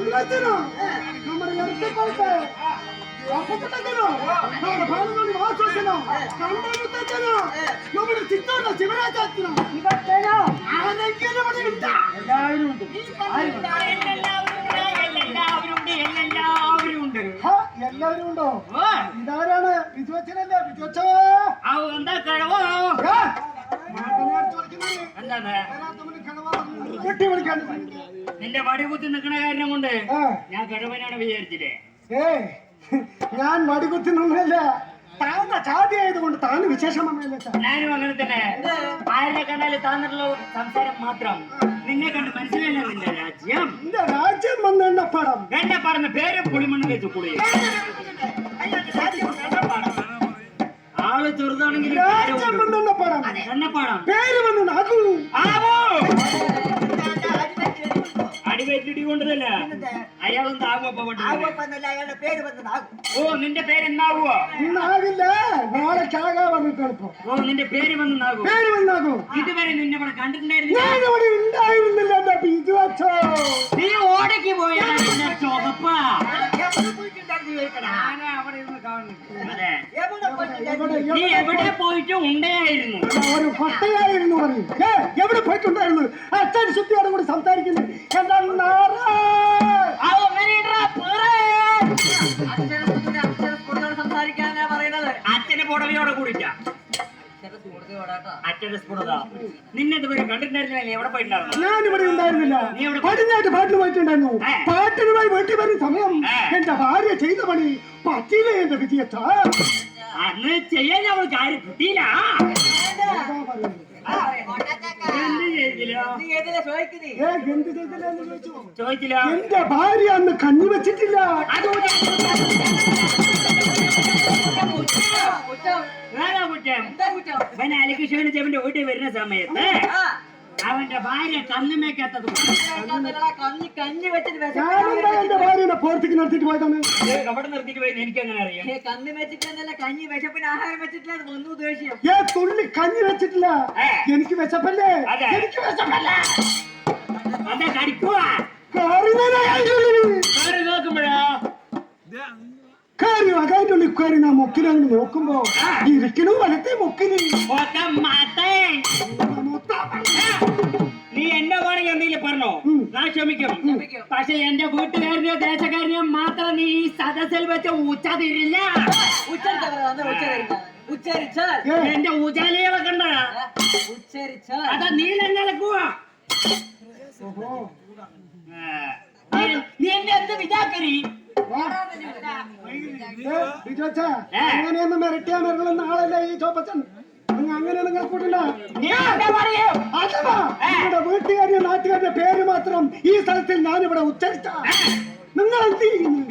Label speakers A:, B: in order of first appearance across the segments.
A: ಎಲ್ಲದನ್ನು ನಮ್ಮ ಎತ್ತುಕೊಂಡೆ ಅಪ್ಪುಟ್ಟದನ್ನು ನಮ್ಮ ಬಾಲದಲ್ಲಿ ವಾಸೋಚನ ಕಂಡನುತ್ತದನ್ನು ನಮ್ಮ ಚಿತ್ತೋಣ ಶಿವರಾಜಾತ್ನ ಇವತ್ತೇನೋ ಆನಂದಕ್ಕೆ ಮಾಡಿ ಉಂಟ ಎಲ್ಲರೂ ಉಂಟು എല്ലാവരും ഉണ്ടോ ഇതാരാണ് വിജുവച്ചനല്ലേ വിജുവച്ച
B: നിന്റെ വടികുത്തി നിൽക്കണ കാരണം കൊണ്ട് ഞാൻ കിഴവനാണ് വിചാരിച്ചില്ലേ
A: ഞാൻ വടികുത്തി നിന്നല്ല താന്ന ചാതി ആയതുകൊണ്ട് താന് വിശേഷം
B: ഞാനും അങ്ങനെ തന്നെ ആരുടെ കണ്ടാല് താന്നുള്ള സംസാരം മാത്രം നിന്നെ കണ്ട് മനസ്സിലല്ല നിന്റെ രാജ്യം
A: നിന്റെ രാജ്യം വന്ന് എണ്ണപ്പാടം
B: എണ്ണപ്പാടുന്ന പേര് പുളിമണ്ണ് വെച്ചു കുളി ആള് ചെറുതാണെങ്കിൽ
A: രാജ്യം വന്ന് എണ്ണപ്പാടം
B: എണ്ണപ്പാടം
A: പേര് വന്ന് നാകൂ
B: അടിവെറ്റിടി കൊണ്ടതല്ല അയാളൊന്നും ഓ നിന്റെ പേര് എന്നാകുവോ
A: ഇന്നാകില്ല നാളെ ചാകാ വന്നിട്ട് എളുപ്പം
B: ഓ നിന്റെ പേര് വന്നാകും
A: പേര് വന്നാകൂ
B: ഇതുവരെ നിന്നെ ഇവിടെ കണ്ടിട്ടുണ്ടായിരുന്നു
A: ഞാനിവിടെ ഉണ്ടായിരുന്നില്ല എന്റെ ബിജുവച്ചോ
B: നീ ഓടയ്ക്ക് പോയാ ചുവപ്പാ നീ എവിടെ പോയിട്ട് ഉണ്ടായിരുന്നു
A: ഒരു കൊട്ടയായിരുന്നു പറഞ്ഞു എവിടെ പോയിട്ടുണ്ടായിരുന്നു അച്ഛൻ ശുദ്ധിയോട് കൂടി സംസാരിക്കുന്നു
B: സംസാരിക്കാനാ പറയുന്നത് അച്ഛന്റെ പുടവയോടെ കൂടിട്ടാ അച്ഛന്റെ സ്ഫുടത നിന്നെ ഇതുവരെ കണ്ടിട്ടുണ്ടായിരുന്നില്ല എവിടെ പോയിട്ടുണ്ടായിരുന്നു
A: ഞാനിവിടെ ഉണ്ടായിരുന്നില്ല പടിഞ്ഞാട്ട് പാട്ടിന് പോയിട്ടുണ്ടായിരുന്നു പാട്ടിനുമായി വീട്ടിൽ വരുന്ന സമയം എന്റെ ഭാര്യ ചെയ്ത പണി പറ്റിയില്ലേ എന്റെ വിജയച്ച
B: അന്ന് ചെയ്യാൻ അവൾ കാര്യം കിട്ടിയില്ല ചോദിച്ചില്ല
A: എന്റെ ഭാര്യ അന്ന് കഞ്ഞി വെച്ചിട്ടില്ല
B: അലകൃഷ്ണന്റെ ചെവന്റെ വീട്ടിൽ വരുന്ന സമയത്ത് അവന്റെ ഭാര്യ കന്നുമേക്കാത്തത്
A: എന്റെ ഭാര്യനെ പുറത്തേക്ക് നിർത്തിട്ട് പോയതാണ്
B: അവിടെ നിർത്തിട്ട് പോയത് എനിക്ക് അങ്ങനെ അറിയാം
C: കന്ന് വെച്ചിട്ടില്ല കഞ്ഞി വിശപ്പിന് ആഹാരം വെച്ചിട്ടില്ല അത് വന്നു ദേഷ്യം
A: തുള്ളി കഞ്ഞി വെച്ചിട്ടില്ല എനിക്ക് വിശപ്പല്ലേ
B: എനിക്ക് വിശപ്പല്ല അതെ കടിക്കുവാ നോക്കുമ്പോഴാ
A: കാര്യം അകായിട്ടുള്ള ഇക്കാരി നാ മൊക്കിലങ്ങ് നോക്കുമ്പോ ഇരിക്കണു വലത്തെ മൊക്കിന്
B: നീ എന്നെ വേണമെങ്കിൽ എന്തെങ്കിലും പറഞ്ഞോ ഞാൻ ക്ഷമിക്കും പക്ഷെ എന്റെ വീട്ടുകാരനെയോ ദേശക്കാരനെയോ മാത്രം നീ ഈ സദസ്സിൽ വെച്ച് ഉച്ചതിരില്ല എന്റെ ഊജാലികളെ കണ്ട അതാ നീ എന്നെ ഇളക്കുവാ നീ എന്നെ എന്ത് വിചാക്കരി
A: അങ്ങനെയൊന്നും മിരട്ടിയാ മിരളുന്ന ആളല്ല ഈ ചോപ്പച്ചൻ അങ്ങനെയൊന്നും കേൾക്കൂട്ടില്ല നിങ്ങളുടെ വീട്ടുകാരിയോ നാട്ടുകാരുടെ പേര് മാത്രം ഈ സ്ഥലത്തിൽ ഞാനിവിടെ ഉച്ചരിച്ച നിങ്ങൾ എന്ത് ചെയ്യുന്നു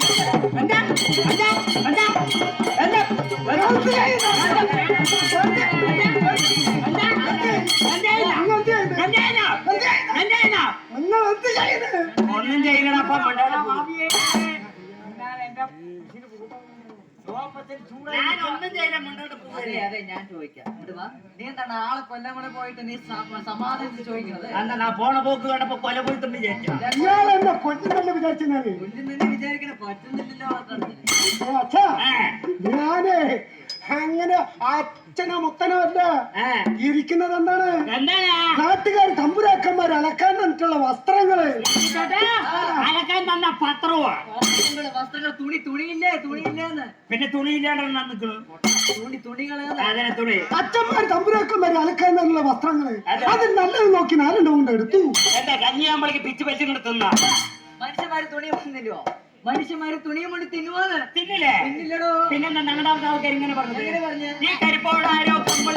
A: നിങ്ങൾ എന്ത് ചെയ്യുന്നത്
B: ഒന്നും ചെയ്യണപ്പ
C: ഞാൻ ചോദിക്കാം നീ എന്താണ് ആളെ കൊല്ലം കൂടെ പോയിട്ട് നീ സമാധാനം ചോദിക്കുന്നത്
B: എന്നാ പോണ പോക്ക് കണ്ടപ്പോ കൊല പോയിട്ടുണ്ട്
A: വിചാരിച്ചെന്നെ വിചാരിച്ചെന്നാല്
C: കൊല്ലുന്നെ വിചാരിക്കണ പറ്റുന്നില്ലല്ലോ
A: ഞാനേ അങ്ങനെ അച്ഛനോ മുത്തനോ അല്ല ഇരിക്കുന്നത് എന്താണ് നാട്ടുകാർ തമ്പുരാക്കന്മാർ അലക്കാൻ തന്നിട്ടുള്ള വസ്ത്രങ്ങള്
B: അലക്കാൻ തന്ന പത്രവാ
C: വസ്ത്രങ്ങൾ തുണിയില്ലേ തുണിയില്ലേന്ന്
B: പിന്നെ തുണിയില്ലാണ്ടാണ്
C: തുണികള്
B: തുണി
A: അച്ഛന്മാർ തമ്പുരാക്കന്മാർ അലക്കാൻ തന്നുള്ള വസ്ത്രങ്ങള് അത് നല്ലത് നോക്കി നാലെണ്ണം കൊണ്ട് എടുത്തു
B: എന്താ കഞ്ഞിയാകുമ്പോഴേക്ക് പിച്ച് വെച്ച് കിടത്തുന്ന
C: മനുഷ്യന്മാര് തുണി വന്നില്ലോ മനുഷ്യന്മാര് തുണിയും കൊണ്ട് തിന്നുവാന്ന്
B: തിന്നില്ലേ
C: തിന്നില്ലടോ
B: പിന്നെന്താ ഞങ്ങളുടെ ആൾക്കാർ ഇങ്ങനെ പറഞ്ഞു നീ കരിപ്പോടാരോ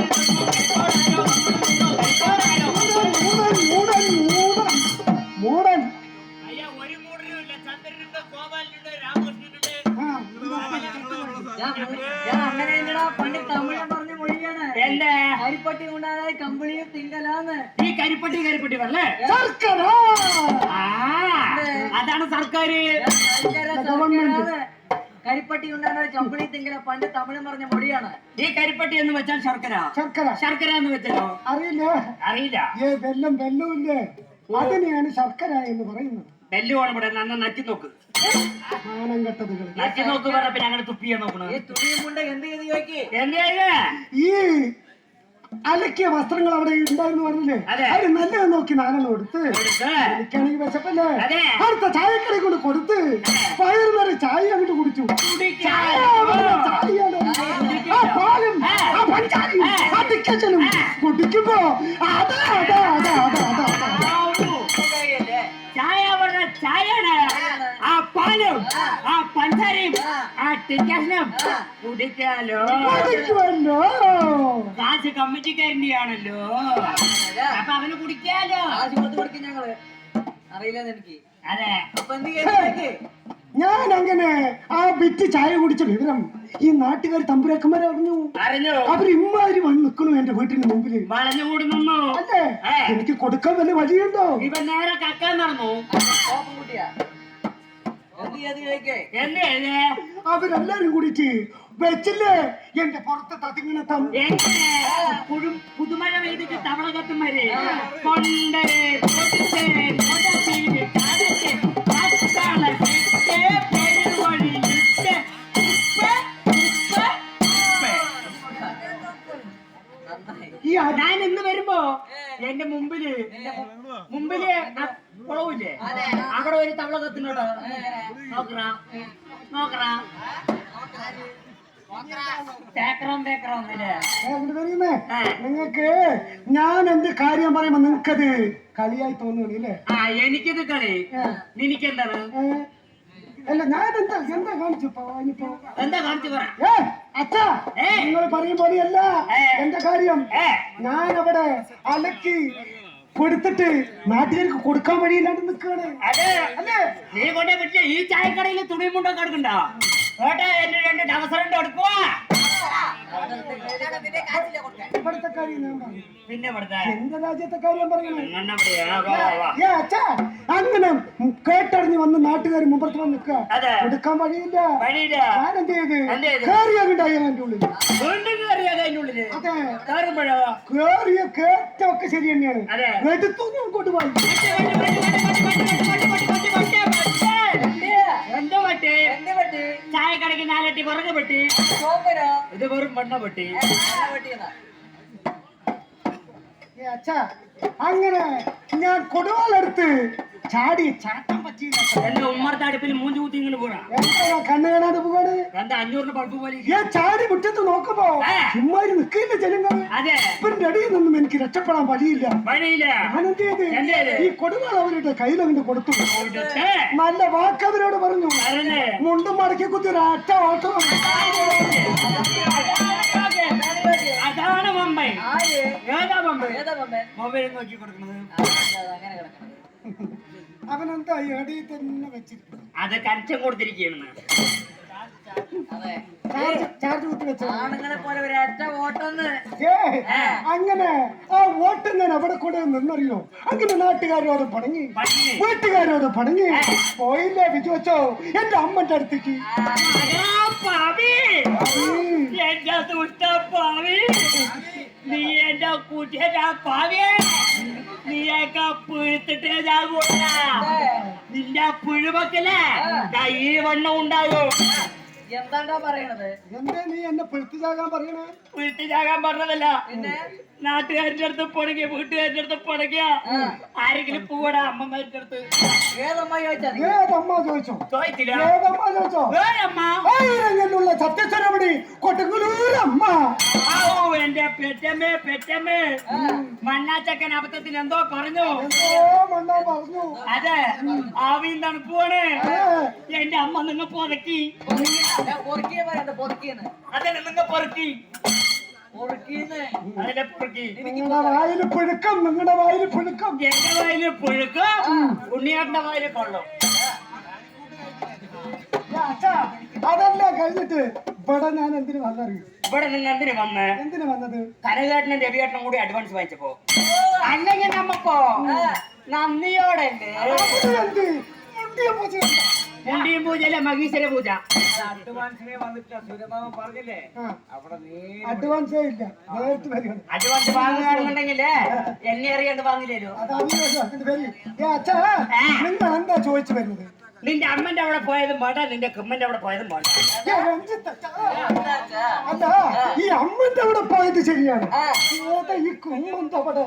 A: മൂടൻ
B: അയ്യ ഒരു മൂടനും ഇല്ല ചന്ദ്രനുണ്ട് ഗോപാലനുണ്ട് രാമകൃഷ്ണനുണ്ട്
C: ഞാൻ അങ്ങനെ പണ്ട് തമിഴ് പറഞ്ഞ മൊഴിയാണ്
B: എന്റെ
C: കരിപ്പട്ടി കൊണ്ടാണ് കമ്പിളിയും തിങ്കലാന്ന്
B: ഈ കരിപ്പട്ടി വരല്ലേ അതാണ് സർക്കാർ
C: കരിപ്പട്ടി ഉണ്ടാകുന്ന കമ്പിളി തിങ്കല പണ്ട് തമിഴ് പറഞ്ഞ മൊഴിയാണ്
B: ഈ കരിപ്പട്ടി എന്ന് വെച്ചാൽ ശർക്കര എന്ന് വെച്ചാലോ
A: അറിയില്ല
B: അറിയില്ല
A: വെല്ലമില്ലേ അതിനെയാണ് ശർക്കര എന്ന് പറയുന്നത്
B: നെല്ല് വേണം ഇവിടെ നന്ന നക്കി നോക്ക്
A: മാനം കെട്ടതുകൾ.
B: നക്കി നോക്ക് പറഞ്ഞപ്പോ ഞങ്ങൾ തുപ്പിയാ നോക്കണ
C: ഈ തുണിയും കൊണ്ട് എന്ത് ചെയ്ത് ചോദിക്ക്
B: എന്താ
A: ഈ അലക്കിയ വസ്ത്രങ്ങൾ അവിടെ ഉണ്ടായിരുന്നു പറഞ്ഞില്ലേ,
B: അതെ.
A: അത് നല്ലത് നോക്കി നാലെണ്ണം കൊടുത്ത് എനിക്കാണെങ്കിൽ വിശപ്പല്ലേ,
B: അതെ.
A: അടുത്ത ചായക്കടയിൽ കൊണ്ട് കൊടുത്ത് പയറ് നിറയെ ചായ അങ്ങോട്ട് കുടിച്ചു. ചായ അവിടെ ചായയാണ്. ആ പാലും ആ പഞ്ചാരയും ആ ടിക്കറ്റനും കുടിക്കുമ്പോ അതാ അതാ അതാ അതാ അതാ അതാ
B: ചായ പറഞ്ഞ ചായയാണ് ആ പാലും ആ പഞ്ചാരയും ആ ടിക്കറ്റിനും കുടിക്കാലോ
A: കുടിക്കുമല്ലോ.
B: കാശ് കമ്മിറ്റിക്കാരൻ്റെ ആണല്ലോ അപ്പൊ അവന് കുടിക്കാലോ
C: കാശ് കൊടുത്ത് കൊടുക്കും ഞങ്ങള് അറിയില്ലെന്ന് എനിക്ക്
B: അതെ
C: അപ്പൊ എന്ത് ചെയ്ത് ചോദിക്ക്
A: ഞാൻ അങ്ങനെ ആ വിറ്റ് ചായ കുടിച്ച വിവരം ഈ നാട്ടുകാർ തമ്പുരാക്കന്മാരെ അറിഞ്ഞു.
B: അറിഞ്ഞു
A: അവർ ഇമ്മാതിരി വന്ന് നിൽക്കണു എന്റെ വീട്ടിന് മുമ്പില്.
B: വളഞ്ഞുകൂടി നിന്നു
A: അല്ലേ, എനിക്ക് കൊടുക്കാൻ വല്ല വഴിയുണ്ടോ?
B: ഇവൻ നേരെ കക്കാൻ നടന്നു
C: കോപ്പം കുട്ടിയാ എന്ത് ചെയ്ത് ചോദിക്കേ
B: എന്തേ
A: അവരെല്ലാരും കൂടിയിട്ട് വെച്ചില്ലേ എന്റെ പുറത്ത് തതിങ്ങനെ
B: പുതുമഴ പെയ്തിട്ട് തവള കത്തുമാര് കൊണ്ട് കൊടുത്ത് കൊടച്ച് കടച്ച് കത്താള കെട്ട് പെരുവഴി ഇട്ട്
C: നന്നായി
B: ഞാൻ ഇന്ന് വരുമ്പോ എന്റെ മുമ്പില് ആ കുളവില്ലേ അവിടെ ഒരു തവള കത്തുന്നുണ്ടോ നോക്കറാ നോക്കറാ
A: നിങ്ങക്ക് ഞാൻ എന്റെ കാര്യം പറയുമ്പോ നിങ്ങക്കത് കളിയായി തോന്നുന്നില്ലേ?
B: ആ എനിക്കിത് കളി നിനക്കെന്താണ്
A: അല്ല ഞാൻ എന്താ എന്താ കാണിച്ചു
B: എന്താ കാണിച്ചു പറ
A: അച്ഛാ, നിങ്ങൾ പറയും പോലെയല്ല എന്റെ കാര്യം. ഞാൻ അവിടെ അലക്കി കൊടുത്തിട്ട് നാട്ടുകാർക്ക് കൊടുക്കാൻ വഴിയില്ലാണ്ട് നിൽക്കുകയാണ്.
B: അതെ അല്ലേ നീ കൊണ്ടേ പറ്റില്ല ഈ ചായക്കടയിൽ തുണിയും മുണ്ടൊക്കെ എടുക്കണ്ടോ ഓട്ടെ എന്റെ 2 അവസരം എടുക്കുക
A: ഇവിടുത്തെ കാര്യം ഞാൻ പറഞ്ഞു.
B: പിന്നെ
A: എന്റെ രാജ്യത്തെ കാര്യം പറയണേ.
B: അതെ
A: അച്ഛാ, അങ്ങനെ കേട്ടറിഞ്ഞ് വന്ന് നാട്ടുകാർ മുമ്പത്ത് വന്ന് നിൽക്കുക, കൊടുക്കാൻ വഴിയില്ല. ഞാൻ എന്ത് ചെയ്ത് കേറിയാണ്ടായി അതിന്റെ ഉള്ളിൽ. അതെ, കേറിയ കേറ്റമൊക്കെ ശരി തന്നെയാണ്. എടുത്തു അങ്ങോട്ട് പോയി
B: ചായക്കടയ്ക്ക് 4 അട്ടി പുറകെ പെട്ടി ഇത് വെറും മണ്ണ പെട്ടി.
A: അച്ഛാ, അങ്ങനെ ഞാൻ കൊടുവാളെടുത്ത് ചാടി ചാട്ടം പറ്റിയില്ല.
B: എന്റെ ഉമ്മർത്തെ അടുപ്പിൽ മൂഞ്ചി കുത്തി ഇങ്ങനെ പോണ
A: കണ്ണ് കാണാതെ പോവാണ്.
B: എന്താ 500 ബൾബ് പോലെ
A: ഞാൻ ചാടി മുറ്റത്ത് നോക്കുമ്പോ ചുമ്മാരി നിൽക്കില്ല ജനങ്ങൾ.
B: അതെ
A: ഇവരുടെ അടിയിൽ നിന്നും എനിക്ക് രക്ഷപ്പെടാൻ വഴിയില്ല. ഞാൻ എന്ത് ചെയ്ത് ഈ കൊടുവാൾ അവരുടെ കയ്യിൽ അങ്ങോട്ട് കൊടുത്തു. നല്ല വാക്ക് അവരോട് പറഞ്ഞു. മുണ്ടും മടക്കി കുത്തി ഒരു അറ്റ ഓട്ടം.
B: അതാണ് മുംബൈ. ഏതാ മുംബൈ? മൊബൈൽ നോക്കി കൊടുക്കുന്നത്.
A: അവനെന്താ അടിയിൽ തന്നെ വെച്ചിരിക്കുന്നു.
B: അത് കരച്ചം കൊടുത്തിരിക്കുകയാണ്.
A: ചാർജ് കുത്തി വെച്ച
C: ആണുങ്ങളെ പോലെ ഒരൊറ്റ ഓട്ടന്ന്
A: അങ്ങനെ ആ വോട്ട് ഞാൻ അവിടെ കൂടെ നിന്നറിയോ. അങ്ങനെ നാട്ടുകാരോട് പണങ്ങി വീട്ടുകാരോട് പണങ്ങി പോയില്ലേ വിജയിച്ചോ എന്റെ അമ്മന്റെ അടുത്തേക്ക്.
B: എന്റെ ദുഷ്ട പാവി, നീ എന്റെ കുട്ടിയെ പാവിയെ നീയൊക്കെ പുഴുത്തിട്ടേ ചാകൂല. നിന്റെ പുഴുവൊക്കല്ലേ ഈ വണ്ണം ഉണ്ടാകും.
C: എന്താണ്ടാ പറയണത്?
A: എന്താ നീ എന്നെ പെഴുത്തിച്ചാകാൻ പറയണേ?
B: പെഴുത്തിച്ചാകാൻ പറഞ്ഞതല്ല, നാട്ടുകാരുടെ അടുത്ത് പണങ്ങിയ വീട്ടുകാരുടെ അടുത്ത് പണങ്ങിയ ആരെങ്കിലും പോവടാ അമ്മമാരുടെ അടുത്ത്.
C: ഏതമ്മ ചോദിച്ചാ?
A: ഏതമ്മ ചോദിച്ചോ?
B: ചോദിച്ചില്ല.
A: ഏതമ്മ ചോദിച്ചോ?
B: അമ്മ
A: സത്യസ്വരപടി കൊട്ടക്കുലൂരമ്മ.
B: എന്റെ പെറ്റമ്മേ പെറ്റമ്മേ, മണ്ണാച്ചക്കൻ അബദ്ധത്തിന് എന്തോ പറഞ്ഞു.
A: മണ്ണോ പറഞ്ഞു.
B: അതെ, ആവിയും തണുപ്പുമാണ്. എന്റെ അമ്മ നിങ്ങൾ പൊറക്കി. അതന്നെ നിങ്ങൾ പൊറക്കി. അതിന്റെ പൊറക്കി.
A: നിങ്ങളുടെ വായില് പുഴുക്കം. നിങ്ങളുടെ വായില് പുഴുക്കം.
B: എന്റെ വായില് പുഴുക്കം, ഉണ്ണിയാട്ടന്റെ വായില് കൊള്ളും.
A: അതല്ല കഴിഞ്ഞിട്ട് ഇവിടെ ഞാൻ എന്തിനു വന്നറിയും?
B: ഇവിടെ നിങ്ങൾ എന്തിനു വന്ന്?
A: എന്തിനു വന്നത്?
B: കനകേട്ടനും രവിയേട്ടനും കൂടി അഡ്വാൻസ് വാങ്ങിച്ചപ്പോ അല്ലെങ്കിൽ നമ്മക്കോ നന്ദിയോടെ മുണ്ടിയും പൂജയിലെ മഹീശ്വര പൂജ അഡ്വാൻസിനെ വന്നിട്ട് സൂര്യമാമ പറഞ്ഞില്ലേ അവിടെ
A: അഡ്വാൻസേ ഇല്ല, നേരിട്ട് വരികയാണ്.
B: അഡ്വാൻസ് വാങ്ങുകയാണെന്നുണ്ടെങ്കിലേ എന്നെ അറിയാണ്ട് വാങ്ങില്ലല്ലോ.
A: അത് അതിന്റെ പേര് അച്ഛാ, നിങ്ങൾ എന്താ ചോദിച്ചു വരുന്നത്?
B: നിന്റെ അമ്മന്റെ അവിടെ പോയതും വേണ്ട, നിന്റെ കുമ്മന്റെ അവിടെ പോയതും വേണ്ട.
A: അല്ല, ഈ അമ്മന്റെ അവിടെ പോയത് ശരിയാണ്, ഈ കുമ്മന്റെ അവിടെ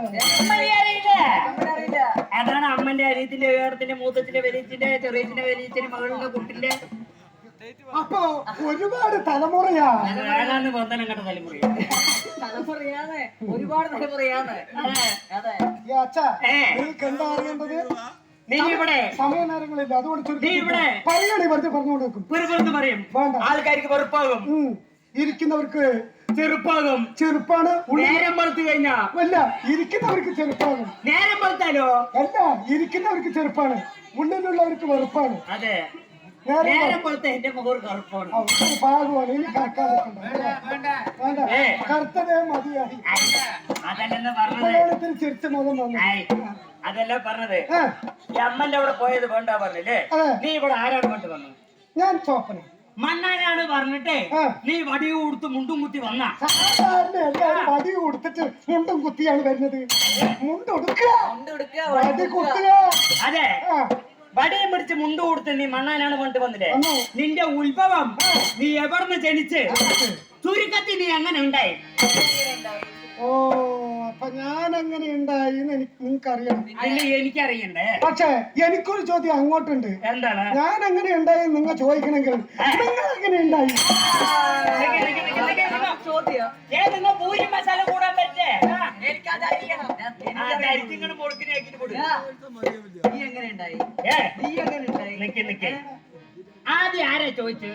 B: അതാണ് അമ്മന്റെ അരിയത്തിന്റെ ഏടത്തിന്റെ മൂത്തത്തിന്റെ വലിയത്തിന്റെ ചെറിയത്തിന്റെ വലിയത്തിന്റെ മകളുടെ കുട്ടിന്റെ.
A: അപ്പൊ ഒരുപാട് തലമുറയാ.
B: ഏതാണ്ട് വന്ദനം കണ്ട
C: തലമുറയാണ്, ഒരുപാട് തലമുറയാണ്. അതെ
A: അച്ഛാ, നിങ്ങൾക്ക് എന്താ അറിയേണ്ടത്?
B: നീ ഇവിടെ
A: സമയ നേരങ്ങളില്ല, അതുകൊണ്ട്
B: നീ ഇവിടെ
A: പറയണേ, വെറുതെ പറഞ്ഞുകൊടുക്കും.
B: വെറുതെ പറയും,
A: വേണ്ട.
B: ആൾക്കാർക്ക് വെറുപ്പാകും,
A: ഇരിക്കുന്നവർക്ക്
B: ചെറുപ്പാകും.
A: ചെറുപ്പാണ്.
B: നേരം വളർത്തു കഴിഞ്ഞാ
A: അല്ല, ഇരിക്കുന്നവർക്ക് ചെറുപ്പാണ്.
B: നേരം വളർത്താലോ?
A: അല്ല, ഇരിക്കുന്നവർക്ക് ചെറുപ്പാണ്, മുന്നിലുള്ളവർക്ക് വെറുപ്പാണ്.
B: അതെ, നേരം വളർത്ത എന്റെ മുഖം കറുപ്പാണ്.
A: ഭാഗമാണ്. ഇനി വേണ്ട, കറുത്തതേ മതിയായി.
B: അതല്ലെന്ന് പറഞ്ഞത്,
A: ചിരിച്ച മുഖം വന്നു.
B: അതല്ല പറഞ്ഞത്. ഈ അമ്മന്റെ അവിടെ പോയത് വേണ്ട പറഞ്ഞില്ലേ? നീ ഇവിടെ ആരാണ് കൊണ്ട് വന്നത്?
A: ഞാൻ ചോപ്പന
B: മണ്ണാനാണ് പറഞ്ഞിട്ട് നീ വടി കൊടുത്ത് മുണ്ടും കുത്തി വന്ന.
A: സാധാരണ എല്ലാവരും വടി കൊടുത്തിട്ട് മുണ്ടും കുത്തിയാണ് വരുന്നത്. മുണ്ടൊടുക്കുക, വടി കുത്തുക.
B: അതെ, വടിയും പിടിച്ച് മുണ്ട് കൊടുത്ത് നീ മണ്ണാനാണ് കൊണ്ട് വന്നില്ലേ? നിന്റെ ഉത്ഭവം, നീ എവിടുന്ന് ജനിച്ച്, ചുരുക്കത്തിൽ നീ എങ്ങനെ ഉണ്ടായി?
A: ഓ, അപ്പൊ ഞാൻ എങ്ങനെ ഉണ്ടായി നിങ്ങൾക്ക് അറിയണം.
B: എനിക്കറിയണ്ടേ?
A: പക്ഷെ എനിക്കൊരു ചോദ്യം അങ്ങോട്ടുണ്ട്.
B: എന്താണ്? ഞാൻ
A: എങ്ങനെ ഉണ്ടായി നിങ്ങൾ ചോദിക്കണമെങ്കിൽ നിങ്ങൾ എങ്ങനെ ഉണ്ടായി?
C: ചോദ്യം
B: നിങ്ങൾ പൂരി മസാല കൂടാൻ പറ്റേ?
C: നീ എങ്ങനെ ഉണ്ടായി? നീ എങ്ങനെ ഉണ്ടായി?
B: നിക്ക് ആദ്യം ആരാ ചോദിച്ചു?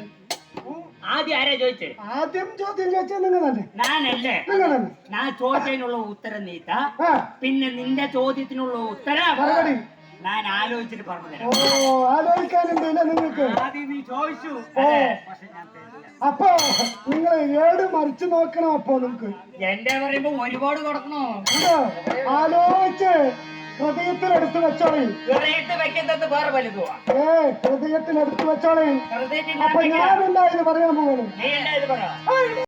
A: ആദ്യം ചോദ്യം ചോദിച്ചത് നിങ്ങൾ തന്നെ.
B: ഞാനല്ലേ?
A: നിങ്ങൾ തന്നെ.
B: ഞാൻ ചോദിച്ചതിനുള്ള ഉത്തരം നീത്ത, പിന്നെ നിന്റെ ചോദ്യത്തിനുള്ള ഉത്തരം ഞാൻ ആലോചിച്ചിട്ട് പറഞ്ഞു.
A: ഓ, ആലോചിക്കാനുണ്ടല്ലേ നിങ്ങൾക്ക്?
B: ആദ്യം നീ ചോദിച്ചു,
A: അപ്പൊ നിങ്ങൾ ഏട് മറിച്ചു നോക്കണം. അപ്പൊ നിങ്ങൾക്ക്
B: എന്റെ പറയുമ്പോ ഒരുപാട് കൊടുക്കണോ?
A: ആലോചിച്ച് ഹൃദയത്തിലെടുത്ത് വെച്ചോളി.
B: ഹൃദയത്തിൽ വെക്കുന്നത് വേറെ വലുതുവാ.
A: ഹൃദയത്തിലെടുത്ത് വെച്ചോളി. അപ്പൊ ഞാൻ എന്താ ഇത് പറയാൻ പോകുന്നു?
B: നീ എന്താ ഇത് പറ?